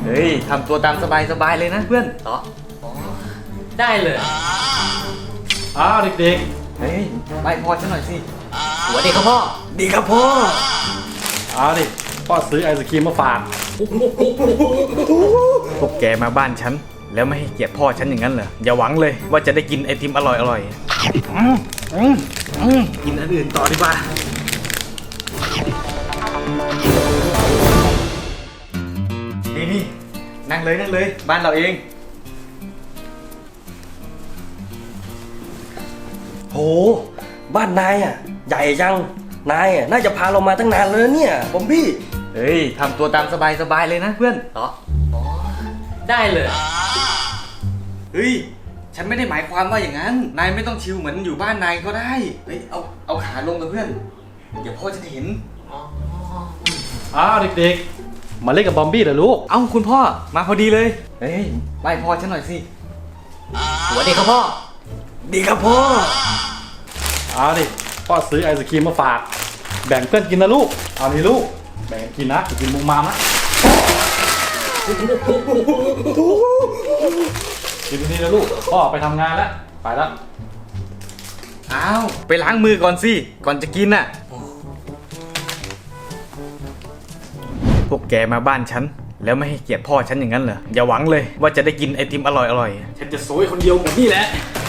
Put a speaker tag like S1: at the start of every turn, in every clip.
S1: เฮ้ยทำตัวตามสบายเลยนะเพื่อน
S2: อ๋อได้เลย
S3: เด็ก
S1: เฮ้ยไปพอฉันหน่อยสิ
S2: หัวเด็กครับพ่อ
S1: ดีครับพ่อ
S3: ดิพ่อซื้อไอศกรีมมาฝาก
S1: พวกแกมาบ้านฉันแล้วไม่ให้เกียรติพ่อฉันอย่างนั้นเหรออย่าหวังเลยว่าจะได้กินไอติมอร่อยกินอันอื่นต่อดีกว่านี่นั่งเลยบ้านเราเอง
S4: โหบ้านนายอ่ะใหญ่จังนายอ่ะน่าจะพาเรามาตั้งนานแล้วเนี่ยบอมบี้
S1: เฮ้ยทำตัวตามสบายเลยนะเพื่อน
S2: อ๋อได้เลย
S1: เฮ้ยฉันไม่ได้หมายความว่าอย่างนั้นนายไม่ต้องชิลเหมือนอยู่บ้านนายก็ได้เฮ้ยเอาขาลงกับเพื่อนเดี๋ยวพ่อจะเห็น
S3: เด็กๆมาเล่นกับบอมบี้เหรอลูก
S1: เอ้าคุณพ่อมาพอดีเลยเฮ้ยไล่พ่อฉันหน่อยสิ
S2: หัวเด็กครับพ่อ
S1: ดีครับพ่อ
S3: ดิพ่อซื้อไอศกรีมมาฝากแบ่งเพื่อนกินนะลูกเอานี่ลูกแบ่งกินนะกินมุมมามนะกินนี่นะลูกพ่อไปทำงานแล้วไปแล้ว
S1: อ้าวไปล้างมือก่อนสิก่อนจะกินน่ะพวกแกมาบ้านฉันแล้วไม่ให้เกียรติพ่อฉันอย่างนั้นเหรออย่าหวังเลยว่าจะได้กินไอติมอร่อย
S3: ฉันจะโซยคนเดียวหมดนี่แหละ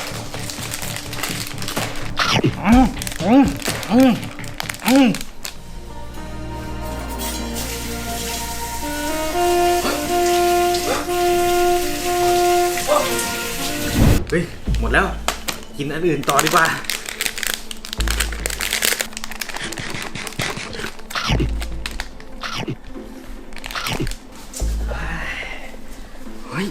S1: เฮ้ยหมดแล้วกินอันอื่นต่อดีกว่าเฮ้ย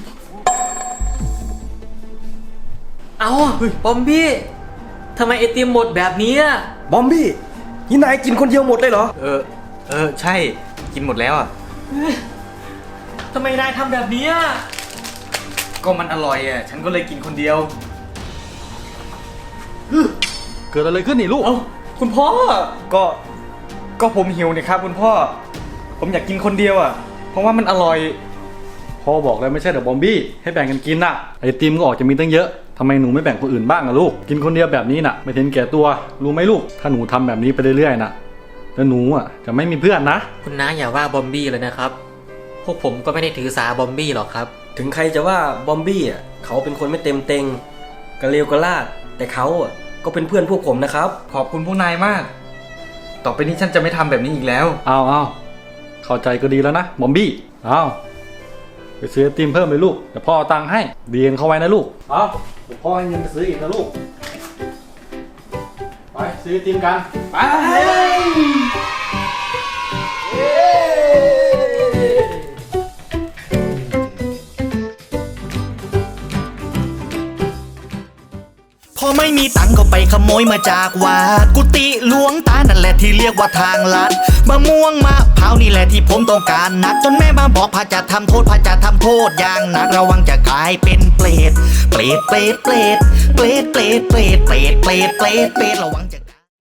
S2: เอาบอมบี้ทำไมไอติมหมดแบบนี้อะ
S4: บอมบี้นี่นายกินคนเดียวหมดเลยเหรอ
S1: ใช่กินหมดแล้วอ่ะ
S2: ทำไมนายทำแบบนี้
S1: ก็มันอร่อยอ่ะฉันก็เลยกินคนเดียว
S3: เกิดอะไรขึ้นนี่ลูก
S1: คุณพ่อก็ผมหิวนี่ครับคุณพ่อผมอยากกินคนเดียวอ่ะเพราะว่ามันอร่อย
S3: พ่อบอกแล้วไม่ใช่เดี๋ยวบอมบี้ให้แบ่งกันกินน่ะไอติมก็ออกจะมีตั้งเยอะทำไมหนูไม่แบ่งคนอื่นบ้างอะลูกกินคนเดียวแบบนี้น่ะไม่เห็นแก่ตัวรู้ไหมลูกถ้าหนูทำแบบนี้ไปเรื่อยๆน่ะแล้วหนูอ่ะจะไม่มีเพื่อนนะ
S2: คุณน้าอย่าว่าบอมบี้เลยนะครับพวกผมก็ไม่ได้ถือสาบอมบี้หรอกครับ
S4: ถึงใครจะว่าบอมบี้อ่ะเขาเป็นคนไม่เต็มเต็งกระเลวกระลาดแต่เขาอ่ะก็เป็นเพื่อนพวกผมนะครับ
S1: ขอบคุณพวกนายมากต่อไปนี้ฉันจะไม่ทำแบบนี้อีกแล้ว
S3: เอาเข้าใจก็ดีแล้วนะบอมบี้ไปซื้อไอติมเพิ่มเลยลูกเดี๋ยวพ่อเอาตังค์ให้เรียนเข้าไว้นะลูกเดี๋ยวพ่อให้เงินไปซื้ออีกนะลูกไปซื้อไอติมกันไป
S5: พอไม่มีตังก็ไปขโมยมาจากวัดกุฏิหลวงตานั่นแหละที่เรียกว่าทางลัดมะม่วงมะพร้าวนี่แหละที่ผมต้องการนักจนแม่มาบอกพระจะทำโทษพระจะทำโทษอย่างหนักระวังจะกลายเป็นเปรตระวังจะ